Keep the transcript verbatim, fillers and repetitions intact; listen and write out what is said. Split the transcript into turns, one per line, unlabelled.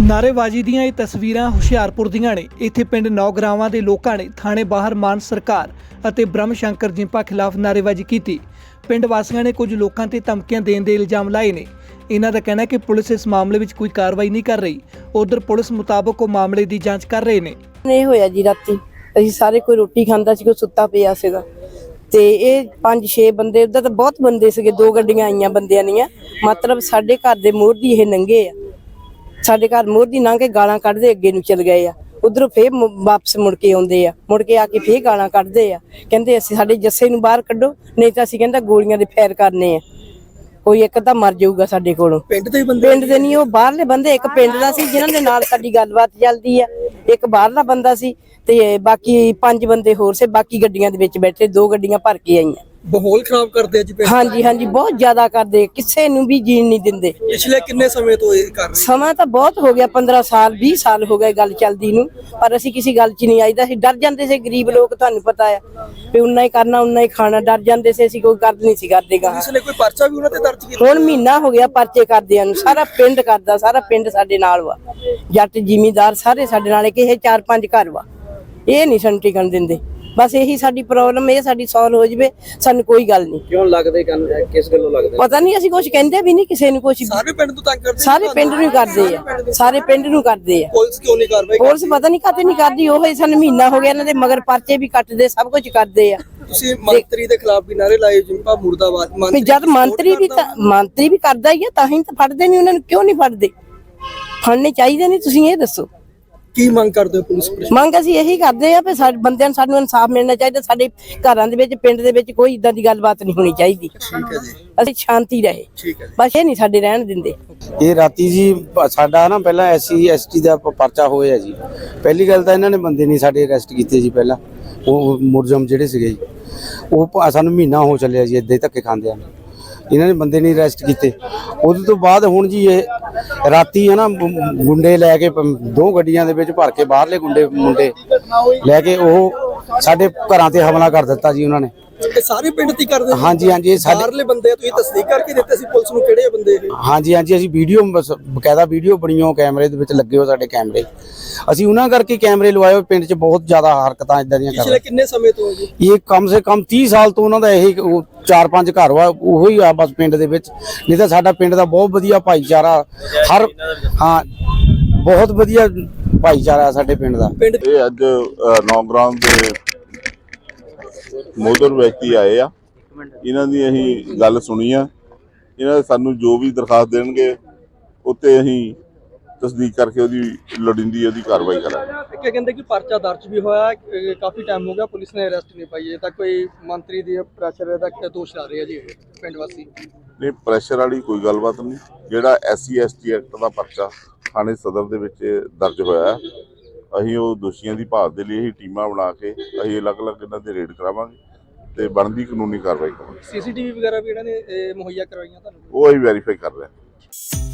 ਨਾਅਰੇਬਾਜ਼ੀ ਦੀਆਂ ਇਹ ਤਸਵੀਰਾਂ ਹੁਸ਼ਿਆਰਪੁਰ ਦੀਆਂ ਨੇ। ਇੱਥੇ ਪਿੰਡ ਨੌਗਰਾਵਾਂ ਦੇ ਲੋਕਾਂ ਨੇ ਥਾਣੇ ਬਾਹਰ ਮਾਨ ਸਰਕਾਰ ਅਤੇ ਬ੍ਰਹਮ ਸ਼ੰਕਰ ਜਿੰਪਾ ਖਿਲਾਫ ਨਾਅਰੇਬਾਜ਼ੀ ਕੀਤੀ। ਪਿੰਡ ਵਾਸੀਆਂ ਨੇ ਕੁਝ ਲੋਕਾਂ ਤੇ ਧਮਕੀਆਂ ਦੇਣ ਦੇ ਇਲਜ਼ਾਮ ਲਾਏ ਨੇ। ਇਹਨਾਂ ਦਾ ਕਹਿਣਾ ਹੈ ਕਿ ਪੁਲਿਸ ਇਸ ਮਾਮਲੇ ਵਿੱਚ ਕੋਈ ਕਾਰਵਾਈ ਨਹੀਂ ਕਰ ਰਹੀ। ਉਧਰ ਪੁਲਿਸ ਮੁਤਾਬਕ ਉਹ ਮਾਮਲੇ ਦੀ ਜਾਂਚ ਕਰ ਰਹੇ ਨੇ।
ਇਹ ਹੋਇਆ ਜੀ ਰਾਤੀ ਅਸੀਂ ਸਾਰੇ ਕੋਈ ਰੋਟੀ ਖਾਂਦਾ ਸੀ, ਕੋਈ ਸੁੱਤਾ ਪਿਆ ਸੀਗਾ ਤੇ ਇਹ ਪੰਜ ਛੇ ਬੰਦੇ, ਉਧਰ ਤਾਂ ਬਹੁਤ ਬੰਦੇ ਸੀਗੇ, ਦੋ ਗੱਡੀਆਂ ਆਈਆਂ ਬੰਦਿਆਂ ਦੀਆਂ, ਮਤਲਬ ਸਾਡੇ ਘਰ ਦੇ ਮੋਹਰ ਦੀ ਇਹ ਨੰਗੇ ਆ, ਸਾਡੇ ਘਰ ਮੋਹਰ ਦੀ ਲੰਘ ਕੇ ਗਾਲਾਂ ਕੱਢਦੇ ਅੱਗੇ ਨੂੰ ਚਲ ਗਏ ਆ। ਉਧਰੋਂ ਫੇਰ ਵਾਪਸ ਮੁੜ ਕੇ ਆਉਂਦੇ ਆ, ਮੁੜ ਕੇ ਆ ਕੇ ਫੇਰ ਗਾਲਾਂ ਕੱਢਦੇ ਆ, ਕਹਿੰਦੇ ਅਸੀਂ ਸਾਡੇ ਜੱਸੇ ਨੂੰ ਬਾਹਰ ਕੱਢੋ, ਨਹੀਂ ਤਾਂ ਅਸੀਂ ਕਹਿੰਦਾ ਗੋਲੀਆਂ ਦੇ ਫੈਰ ਕਰਨੇ ਆ, ਕੋਈ ਇੱਕ ਤਾਂ ਮਰ ਜਾਊਗਾ ਸਾਡੇ ਕੋਲੋਂ। ਪਿੰਡ ਦੇ ਬੰਦੇ ਪਿੰਡ ਦੇ ਨਹੀਂ, ਉਹ ਬਾਹਰਲੇ ਬੰਦੇ, ਇੱਕ ਪਿੰਡ ਦਾ ਸੀ ਜਿਨ੍ਹਾਂ ਦੇ ਨਾਲ ਸਾਡੀ ਗੱਲਬਾਤ ਚੱਲਦੀ ਆ, ਇੱਕ ਬਾਹਰਲਾ ਬੰਦਾ ਸੀ ਤੇ ਬਾਕੀ ਪੰਜ ਬੰਦੇ ਹੋਰ ਸੇ, ਬਾਕੀ ਗੱਡੀਆਂ ਦੇ ਵਿੱਚ ਬੈਠੇ, ਦੋ ਗੱਡੀਆਂ ਭਰ ਕੇ ਆਈਆਂ।
ਮਾਹੌਲ ਖਰਾਬ ਕਰਦੇ ਆ ਜੀ ਪਿੰਡ।
ਹਾਂਜੀ ਹਾਂਜੀ ਬਹੁਤ ਜ਼ਿਆਦਾ ਕਰਦੇ, ਕਿਸੇ ਨੂੰ ਵੀ ਜੀਣ ਨਹੀਂ ਦਿੰਦੇ।
ਪਿਛਲੇ ਕਿੰਨੇ ਸਮੇਂ ਤੋਂ ਇਹ ਕਰ ਰਹੇ?
ਸਮਾਂ ਤਾਂ ਬਹੁਤ ਹੋ ਗਿਆ, ਪੰਦਰਾਂ ਸਾਲ ਵੀਹ ਸਾਲ ਹੋ ਗਏ ਗੱਲ ਚੱਲਦੀ ਨੂੰ, ਪਰ ਅਸੀਂ ਕਿਸੇ ਗੱਲ 'ਚ ਨਹੀਂ ਆਈਦਾ। ਅਸੀਂ ਡਰ ਜਾਂਦੇ ਸੀ, ਗਰੀਬ ਲੋਕ, ਤੁਹਾਨੂੰ ਪਤਾ ਆ ਵੀ ਉਨਾ ਹੀ ਕਰਨਾ ਉਨਾ ਹੀ ਖਾਣਾ, ਡਰ ਜਾਂਦੇ ਸੀ, ਅਸੀਂ ਕੋਈ ਗੱਲ ਨਹੀਂ ਸੀ ਕਰਦੇ ਗਾ।
ਪੁਲਿਸ ਨੇ ਕੋਈ ਪਰਚਾ ਵੀ ਉਹਨਾਂ ਤੇ ਦਰਜ ਕੀਤਾ?
ਹੁਣ ਮਹੀਨਾ ਹੋ ਗਿਆ ਪਰਚੇ ਕਰਦਿਆਂ ਨੂੰ, ਸਾਰਾ ਪਿੰਡ ਕਰਦਾ, ਸਾਰਾ ਪਿੰਡ ਸਾਡੇ ਨਾਲ ਵਾ, ਜੱਟ ਜ਼ਿਮੀਂਦਾਰ ਸਾਰੇ ਸਾਡੇ ਨਾਲ, ਕਿ ਇਹ ਚਾਰ ਪੰਜ ਘਰ ਵਾ, ਇਹ ਨਹੀਂ ਸਾਨੂੰ ਟਿਕਣ ਦਿੰਦੇ। ਬਸ ਇਹੀ ਸਾਡੀ ਪ੍ਰੋਬਲਮ, ਇਹ ਸਾਡੀ ਸੋਲਵ ਹੋ ਜਵੇ, ਸਾਨੂੰ ਕੋਈ ਗੱਲ ਨਹੀਂ।
ਕਿਉਂ ਲੱਗਦੇ ਗੱਲ, ਕਿਸ ਗੱਲੋਂ ਲੱਗਦੇ?
ਪਤਾ ਨਹੀਂ, ਅਸੀਂ ਕੁਝ ਕਹਿੰਦੇ ਵੀ ਨਹੀਂ ਕਿਸੇ ਨੂੰ ਕੁਝ।
ਸਾਰੇ ਪਿੰਡ ਤੋਂ ਤੰਗ ਕਰਦੇ?
ਸਾਰੇ ਪਿੰਡ ਨੂੰ ਕਰਦੇ ਆ, ਸਾਰੇ ਪਿੰਡ ਨੂੰ ਕਰਦੇ ਆ।
ਪੁਲਿਸ ਕਿਉਂ ਨਹੀਂ ਕਾਰਵਾਈ?
ਪੁਲਿਸ ਪਤਾ ਨਹੀਂ ਕਾਤੇ ਨਹੀਂ ਕਰਦੀ, ਉਹ ਸਾਨੂੰ ਮਹੀਨਾ ਹੋ ਗਿਆ ਇਹਨਾਂ ਦੇ ਮਗਰ ਪਰਚੇ ਵੀ ਕੱਟਦੇ, ਸਭ ਕੁਝ ਕਰਦੇ ਆ।
ਤੁਸੀਂ ਮੰਤਰੀ ਦੇ ਖਿਲਾਫ ਵੀ ਨਾਰੇ ਲਾਏ, ਜਿੰਪਾ ਮੁਰਦਾਬਾਦ।
ਵੀ ਜਦ ਮੰਤਰੀ ਵੀ ਤਾਂ ਮੰਤਰੀ ਵੀ ਕਰਦਾ ਹੀ ਆ, ਤਾਂ ਹੀ ਤਾਂ ਫੜਦੇ ਨਹੀਂ ਉਹਨਾਂ ਨੂੰ। ਕਿਉਂ ਨਹੀਂ ਫੜਦੇ? ਫੜਨੇ ਚਾਹੀਦੇ ਨਹੀਂ, ਤੁਸੀਂ ਇਹ ਦੱਸੋ
ਕੀ ਮੰਗ ਕਰਦੇ ਹੋ ਪੁਲਿਸ ਪ੍ਰਸ਼ਾਸਨ?
ਮੰਗ ਅਸੀਂ ਇਹੀ ਕਰਦੇ ਆ ਵੀ ਸਾਡੇ ਬੰਦਿਆਂ ਨੂੰ ਸਾਨੂੰ ਇਨਸਾਫ ਮਿਲਣਾ ਚਾਹੀਦਾ। ਸਾਡੇ ਘਰਾਂ ਦੇ ਵਿੱਚ, ਪਿੰਡ ਦੇ ਵਿੱਚ ਕੋਈ ਇਦਾਂ ਦੀ ਗੱਲਬਾਤ ਨਹੀਂ ਹੋਣੀ ਚਾਹੀਦੀ।
ਠੀਕ ਹੈ ਜੀ,
ਅਸੀਂ ਸ਼ਾਂਤੀ ਰਹੇ,
ਠੀਕ ਹੈ।
ਬਸ ਇਹ ਨਹੀਂ ਸਾਡੇ ਰਹਿਣ ਦਿੰਦੇ।
ਇਹ ਰਾਤੀ ਜੀ ਸਾਡਾ ਨਾ ਪਹਿਲਾਂ ਐਸਸੀ ਐਸਟੀ ਦਾ ਪਰਚਾ ਹੋਇਆ ਜੀ। ਪਹਿਲੀ ਗੱਲ ਤਾਂ ਇਹਨਾਂ ਨੇ ਬੰਦੇ ਨਹੀਂ ਸਾਡੇ ਅਰੈਸਟ ਕੀਤੇ ਜੀ। ਪਹਿਲਾਂ ਉਹ ਮੁਰਜਮ ਜਿਹੜੇ ਸੀਗੇ ਜੀ, ਉਹ ਸਾਨੂੰ ਮਹੀਨਾ ਹੋ ਚੱਲਿਆ ਜੀ ਇੱਦਾਂ ਹੀ ਧੱਕੇ ਖਾਂਦੇ ਆ, ਇਹਨਾਂ ਨੇ ਬੰਦੇ ਨਹੀਂ ਅਰੈਸਟ ਕੀਤੇ। ਉਹਦੇ ਤੋਂ ਬਾਅਦ ਹੁਣ ਜੀ ਇਹ ਰਾਤੀ ਹੈ ਨਾ ਗੁੰਡੇ ਲੈ ਕੇ, ਦੋ ਗੱਡੀਆਂ ਦੇ ਵਿੱਚ ਭਰ ਕੇ ਬਾਹਰਲੇ ਗੁੰਡੇ ਮੁੰਡੇ ਲੈ ਕੇ ਉਹ ਸਾਡੇ ਘਰਾਂ ਤੇ ਹਮਲਾ ਕਰ ਦਿੱਤਾ ਜੀ ਉਹਨਾਂ ਨੇ।
ਇਹ ਸਾਰੇ ਪਿੰਡ ਦੀ ਕਰਦੇ?
ਹਾਂਜੀ ਹਾਂਜੀ, ਇਹ ਸਾਡੇ
ਬਾਹਰਲੇ ਬੰਦੇ ਆ, ਤੁਸੀਂ ਤਸਦੀਕ ਕਰਕੇ ਦਿੱਤੇ ਸੀ ਪੁਲਿਸ ਨੂੰ ਕਿਹੜੇ ਬੰਦੇ ਇਹ?
ਹਾਂਜੀ ਹਾਂਜੀ, ਅਸੀਂ ਵੀਡੀਓ ਬਕਾਇਦਾ ਵੀਡੀਓ ਬਣੀਓ, ਕੈਮਰੇ ਦੇ ਵਿੱਚ ਲੱਗੇ ਹੋ ਸਾਡੇ ਕੈਮਰੇ, ਅਸੀਂ ਉਹਨਾਂ ਕਰਕੇ ਕੈਮਰੇ ਲਵਾਏ। ਪਿੰਡ 'ਚ ਬਹੁਤ ਜ਼ਿਆਦਾ ਹਰਕਤਾਂ ਇਦਾਂ ਦੀਆਂ ਕਰ ਰਹੇ।
ਪਿਛਲੇ ਕਿੰਨੇ ਸਮੇਂ ਤੋਂ ਜੀ?
ਇਹ ਕਮ ਸੇ ਕਮ ਤੀਹ ਸਾਲ ਤੋਂ ਉਹਨਾਂ ਦਾ ਇਹ ਚਾਰ ਪੰਜ ਘਰ ਵਾ, ਉਹੋ ਹੀ ਆ ਬਸ ਪਿੰਡ ਦੇ ਵਿੱਚ। ਨਹੀਂ ਤਾਂ ਸਾਡਾ ਪਿੰਡ ਦਾ ਬਹੁਤ ਵਧੀਆ ਭਾਈਚਾਰਾ, ਹਰ ਹਾਂ ਬਹੁਤ ਵਧੀਆ ਭਾਈਚਾਰਾ ਸਾਡੇ ਪਿੰਡ ਦਾ।
ਇਹ ਅੱਜ ਨੌਗਰਾਮ ਦੇ ਮੋਦਰ ਵਿਅਕਤੀ ਆਏ ਆ, ਇਹਨਾਂ ਦੀ ਅਸੀਂ ਗੱਲ ਸੁਣੀ ਆ। ਇਹਨਾਂ ਸਾਨੂੰ ਜੋ ਵੀ ਦਰਖਾਸਤ ਦੇਣਗੇ ਉੱਤੇ ਅਸੀਂ ਤਸਦੀਕ ਕਰਕੇ ਉਹਦੀ ਲੋੜੀਂਦੀ ਉਹਦੀ ਕਾਰਵਾਈ ਕਰਾਂਗੇ।
ਕੀ ਕਹਿੰਦੇ ਕਿ ਪਰਚਾ ਦਰਜ ਵੀ ਹੋਇਆ, ਕਾਫੀ ਟਾਈਮ ਹੋ ਗਿਆ, ਪੁਲਿਸ ਨੇ ਅਰੈਸਟ ਨਹੀਂ ਪਾਈ। ਇਹ ਤਾਂ ਕੋਈ ਮੰਤਰੀ ਦੀ ਪ੍ਰੈਸ਼ਰ ਦਾ ਦੋਸ਼ ਲਾ ਰਹੇ ਆ ਜੀ ਪਿੰਡ ਵਾਸੀ।
ਨਹੀਂ, ਪ੍ਰੈਸ਼ਰ ਵਾਲੀ ਕੋਈ ਗੱਲਬਾਤ ਨਹੀਂ। ਜਿਹੜਾ S C S T act ਦਾ ਪਰਚਾ ਥਾਣੇ ਸਦਰ ਦੇ ਵਿੱਚ ਦਰਜ ਹੋਇਆ, ਅਸੀਂ ਉਹ ਦੋਸ਼ੀਆਂ ਦੀ ਭਾਲ ਦੇ ਲਈ ਅਸੀਂ ਟੀਮਾਂ ਬਣਾ ਕੇ ਅਸੀਂ ਅਲੱਗ-ਅਲੱਗ ਇਹਨਾਂ ਦੇ ਰੇਡ ਕਰਾਵਾਂਗੇ ਤੇ ਬਣਦੀ ਕਾਨੂੰਨੀ ਕਾਰਵਾਈ ਕਰਾਂਗੇ।
ਸੀ ਸੀ ਟੀ ਵੀ ਵਗੈਰਾ ਵੀ ਇਹਨਾਂ ਨੇ ਮੁਹੱਈਆ ਕਰਵਾਈਆਂ ਤੁਹਾਨੂੰ?
ਉਹ ਅਸੀਂ ਵੈਰੀਫਾਈ ਕਰ ਰਹੇ ਹਾਂ।